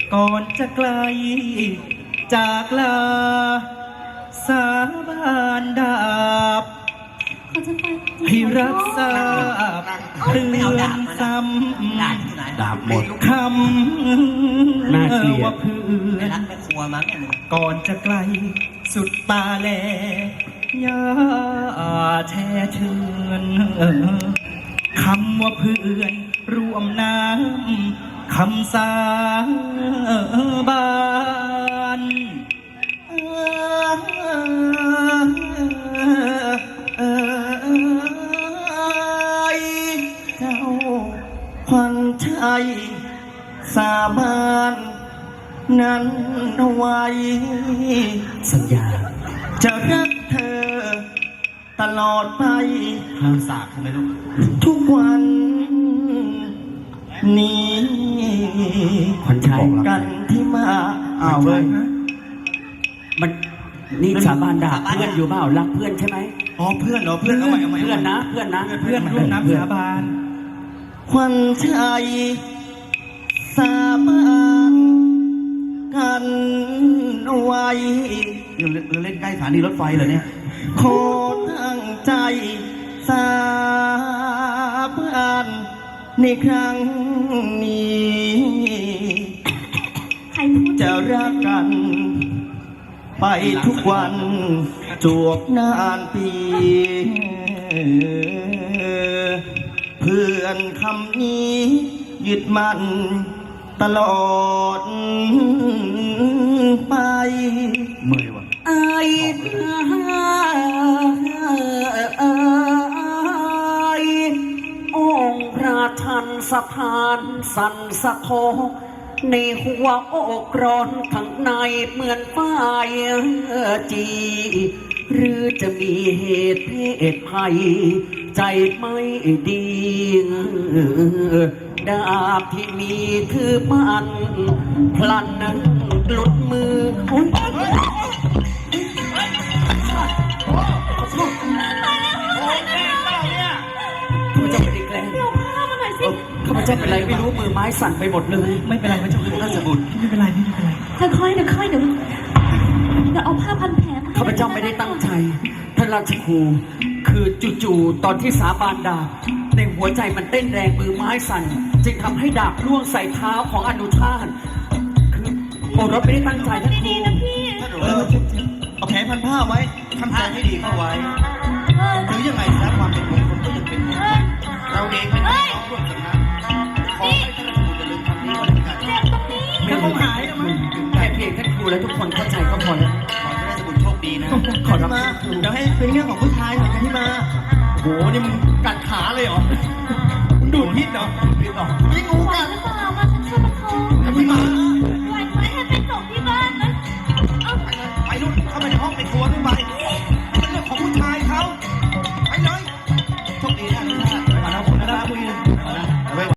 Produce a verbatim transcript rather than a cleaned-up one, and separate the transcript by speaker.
Speaker 1: ก่อนจะไกลจากลาสาบานดาบให้รับทราบเตือนซ้ำ
Speaker 2: ดาบหมด
Speaker 1: คำน่าเกลียดว่าเพื่อนก่อนจะไกลสุดตาแลยาแท้เชือนคำว่าเพื่อนร่วมน้ำคำสาบานเจ้าควันชัยสาบานนั้นไว้
Speaker 2: สัญญา
Speaker 1: จะรักเธอตลอดไป
Speaker 2: ห้ามสาบใช่ไหมลูก
Speaker 1: ทุกวันนี้
Speaker 2: ขวัญชัย
Speaker 1: กันที่มาอ้าวเว้ย
Speaker 2: มันนี่สาบานด่าเพื่อนอยู่เปล่ารักเพื่อนใช่ไหม
Speaker 1: อ๋อเพื่อนเหรอเพื่อนเอาใหม่เอาใหม่
Speaker 2: เพื่อนนะเพื่อนนะ
Speaker 1: เพื่อนร่วมน้ำสาบานขวัญชัยสาบานกันไว้
Speaker 2: เราเล่นใกล้สถานีรถไฟเหรอเนี่ย
Speaker 1: ขอตั้งใจสาบานในครั้งนี้จะรักกันไปทุกวันจวบนานปีเพื่อนคำนี้ยึดมั่นตลอดไป
Speaker 2: เมื่อยวะ
Speaker 1: ไอ้
Speaker 2: องค์พระทันสะพานสันสะโคในหัวอกร้อนข้างในเหมือนไฟจีหรือจะมีเหตุเพศภัยใจไม่ดีดาบที่มีคือมันพลันนั้นหลุดมือโอ้ยข้าพเจ้าเป็นไรไม่รู้มือไม้สั่นไปหมดเลย
Speaker 1: ไม่เป็นไรพระเจ้าค่ะราชบุตรไม่เป็นไรไม่เป็นไร
Speaker 3: ค่อยๆเดี๋ยวค่อยเดี๋ยวเดี๋ยวเอาผ้าพันแผล
Speaker 2: ข้าพเจ้าไม่ได้ตั้งใจท่านราชครูคือจู่ๆตอนที่สาบานดาบในหัวใจมันเต้นแรงมือไม้สั่นจึงทำให้ดาบล่วงใส่เท้าของอนุชาติคือโอรสไม่ได้ตั้งใจท่านครู
Speaker 1: เอาแผลพันผ้าไว้ทำใจให้ดีเข้าไว้หรือยังไงซะความเป็นมงคลก็จะเป็นมงคลเราเองเป็นน้องร่วมกันนะขอให้ท่านครูอย่าลืมคำนี้ก็แล้วกันไม่ต้องหายนะมั้ง
Speaker 2: แค่เพียงท่านครูและทุกคนเข้าใจก็พอแล้ว
Speaker 1: ขอให้ราชบุตรโชคดีนะขอรับมาเดี๋ยวให้เป็นเรื่องของผู้ชายของกันที่มาโหนี่มึงกัดขาเลยเหรอมึงดูดพิษเหรอพิษเหรอไม่งูกัด
Speaker 3: หรือเปล่ามาฉันช่วยประคอง
Speaker 1: กันที่มา
Speaker 3: ปล่อยให้ไปส่งที่บ้านนะ
Speaker 1: ไปนู่นเข้าไปในห้องไปครัวนู่นไป